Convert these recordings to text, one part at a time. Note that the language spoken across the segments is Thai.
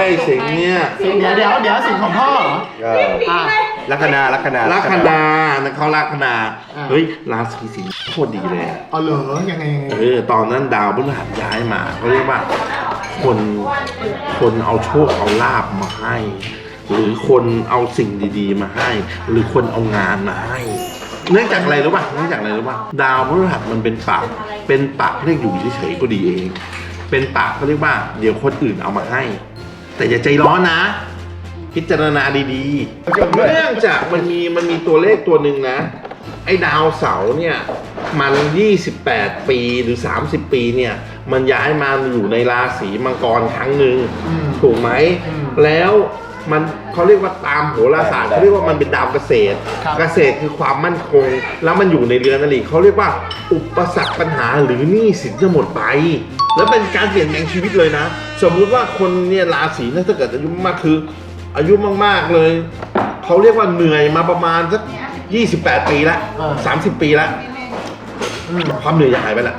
สิงห์เนี่ยเดี๋ยวสิงห์ของพ่อเหรอลัคนาลัคนานะเขาลัคนาเฮ้ยราศีสิงห์โคตรดีเลยอ๋อเหรอยังไงตอนนั้นดาวพฤหัสย้ายมาเขาเรียกว่าคนเอาโชคเอาลาบมาให้ หรือคนเอาสิ่งดีๆมาให้ หรือคนเอางานมาให้เนื่องจากอะไรรู้ป่ะดาวพฤหัสมันเป็นปากเรียกอยู่เฉยๆก็ดีเองเป็นปากเขาเรียกว่าเดี๋ยวคนอื่นเอามาให้แต่อย่าใจร้อนนะพิจารณาดีๆเนื่องจากมันมีตัวเลขตัวหนึ่งนะไอ้ดาวเสาร์เนี่ยมัน28ปีหรือ30ปีเนี่ยมันย้ายมาอยู่ในราศีมังกรครั้งหนึ่งถูกไหมแล้วมันเขาเรียกว่าตามโหราศาสตร์เขาเรียกว่ามันเป็นดาวเกษตรคือความมั่นคงแล้วมันอยู่ในเรือนอริเขาเรียกว่าอุปสรรคปัญหาหรือหนี้สินจะหมดไปแล้วเป็นการเปลี่ยนแปลงชีวิตเลยนะสมมุติว่าคนเนี่ยราศีเนี่ยถ้าเกิดอายุมากคืออายุมากๆเลยเขาเรียกว่าเหนื่อยมาประมาณสัก28ปีละ30ปีละความเหนื่อยจะหายไปละ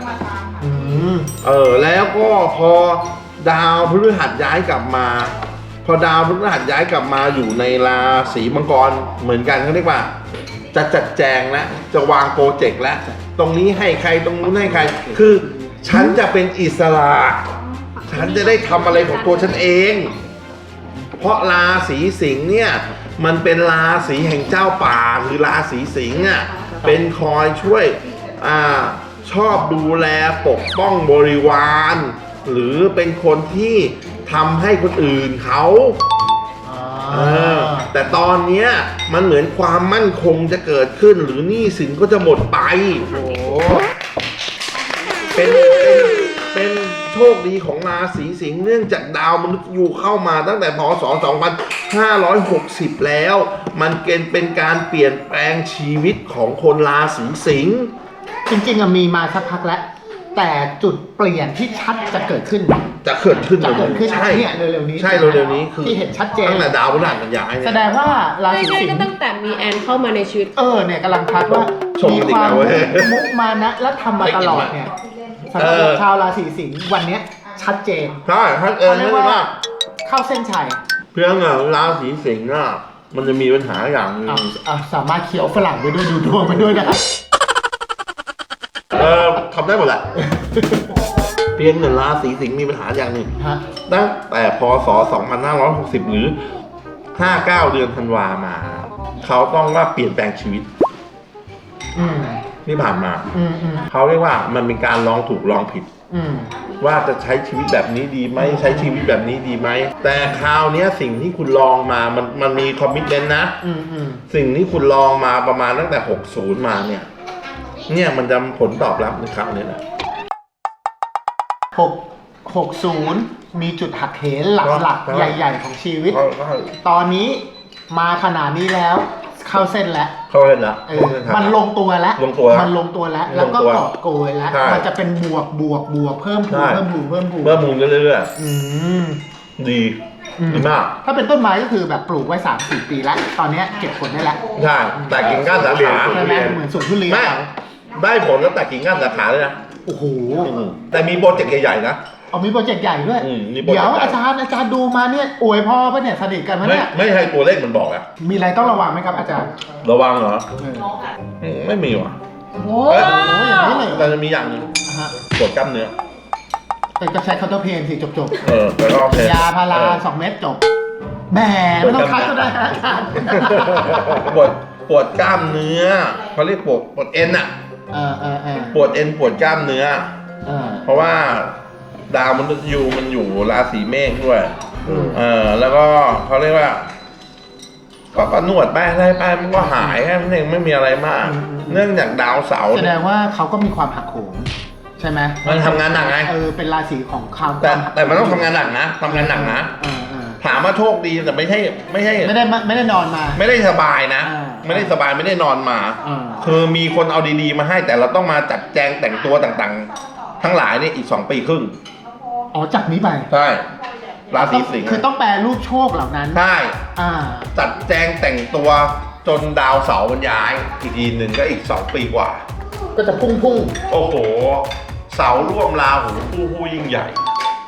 แล้วก็พอดาวพฤหัสย้ายกลับมาพอดาวพฤหัสย้ายกลับมาอยู่ในราศีมังกรเหมือนกันเขาเรียกว่าจะจัดแจงแล้วจะวางโปรเจกต์แล้วตรงนี้ให้ใครตรงนู้นให้ใครคือฉันจะเป็นอิสระฉันจะได้ทำอะไรของตัวฉันเองเพราะราศีสิงห์เนี่ยมันเป็นราศีแห่งเจ้าป่าคือราศีสิงห์อ่ะเป็นคอยช่วยชอบดูแลปกป้องบริวารหรือเป็นคนที่ทำให้คนอื่นเขาแต่ตอนเนี้ยมันเหมือนความมั่นคงจะเกิดขึ้นหรือหนี้สินก็จะหมดไปเป็นโชคดีของราศีสิงห์เนื่องจากดาวมนุษย์ยูเข้ามาตั้งแต่พ.ศ. 2560แล้วมันเป็นการเปลี่ยนแปลงชีวิตของคนราศีสิงห์จริงๆมีมาสักพักแล้วแต่จุดเปลี่ยนที่ชัดจะเกิดขึ้นใช่เนี่ยเร็วๆนี้ใช่เร็วๆนี้คือที่เห็นชัดเจนตั้งแต่ดาวพฤหัสมันย้ายแสดงว่าราศีสิงห์ก็ตั้งแต่มีแอนเข้ามาในชีวิตเนี่ยกำลังทักว่ามีความมุมานะและทำมาตลอดเนี่ยสำหรับชาวราศีสิงห์วันนี้ชัดเจนใช่ชัดเจนมากเข้าเส้นชัยเพียงราศีสิงห์น่ะมันจะมีปัญหาอย่างนึงสามารถเคี้ยวฝรั่งไปด้วยดูดวงไปด้วยนะครับทำได้หมดแหละเพียงราศีสิงห์มีปัญหาอย่างหนึ่งตั้งแต่พ.ศ. 2560หรือ59เดือนธันวามาเขาต้องว่าเปลี่ยนแปลงชีวิตที่ผ่านมาเขาเรียกว่ามันเป็นการลองถูกลองผิดว่าจะใช้ชีวิตแบบนี้ดีไหมใช้ชีวิตแบบนี้ดีไหมแต่คราวนี้สิ่งที่คุณลองมามันมีคอมมิตเมนต์นะสิ่งที่คุณลองมาประมาณตั้งแต่60มาเนี่ยมันจะผลตอบรับในคราวนี้แหละ 60มีจุดหักเหหลักๆใหญ่ๆของชีวิตตอนนี้มาขนาดนี้แล้วเข้าเส้นแล้วมันลงตัวแล้วแล้วก็กอบโกยแล้วมันจะเป็นบวกเพิ่มพูนเรื่อยๆดีมากถ้าเป็นต้นไม้ก็คือแบบปลูกไว้ 3-4 ปีแล้วตอนนี้เก็บผลได้แล้วใช่แต่กิ่งก้านสาขาเหมือนสวนทุเรียนได้ผลแล้วแต่กิ่งก้านสาขาเลยนะโอ้โหแต่มีโปรเจกต์ใหญ่ๆนะมีโปรเจกต์ใหญ่ด้วยเดี๋ยวอาจารย์ดูมาเนี่ยอวยพ่อป่ะเนี่ยสนิทกันไหมเนี่ยไม่ให้ตัวเลขมันบอกอะมีอะไรต้องระวังไหมครับอาจารย์ระวังเหรอไม่มีว่ะโอ้ยอย่างนี้เลยแต่จะมีอย่างนึงปวดกล้ามเนื้อแต่ก็ใช้คาร์โตเพนสิจบแล้วก็ยาพารา2 เม็ดจบแหมไม่ต้องคัดก็ได้อาจารย์ปวดกล้ามเนื้อเขาเรียกปวดเอ็นอะปวดเอ็นปวดกล้ามเนื้อเพราะว่าดาวมนุษย์ยูมันอยู่ราศีเมษด้วยแล้วก็เขาเรียกว่าก็นวดไปอะไรไปมันก็หายแค่นั้นเองไม่มีอะไรมากเนื่องจากดาวเสาร์แสดงว่าเขาก็มีความหักโหมใช่ไหมมันทำงานหนักไงเป็นราศีของเขาแต่มันต้องทำงานหนักนะถามว่าโชคดีแต่ไม่ได้นอนมาไม่ได้สบายนะไม่ได้สบายไม่ได้นอนมาคือมีคนเอาดีๆมาให้แต่เราต้องมาจัดแจงแต่งตัวต่างๆทั้งหลายนี่อีก2 ปีครึ่งจากนี้ไปใช่ราศีสิงห์คือต้องแปลรูปโชคเหล่านั้นใช่จัดแจงแต่งตัวจนดาวเสาร์มันย้ายอีกทีหนึ่งก็อีก2 ปีกว่าก็จะพุ่งโอ้โหเสาร่วมราหูผู้ยิ่งใหญ่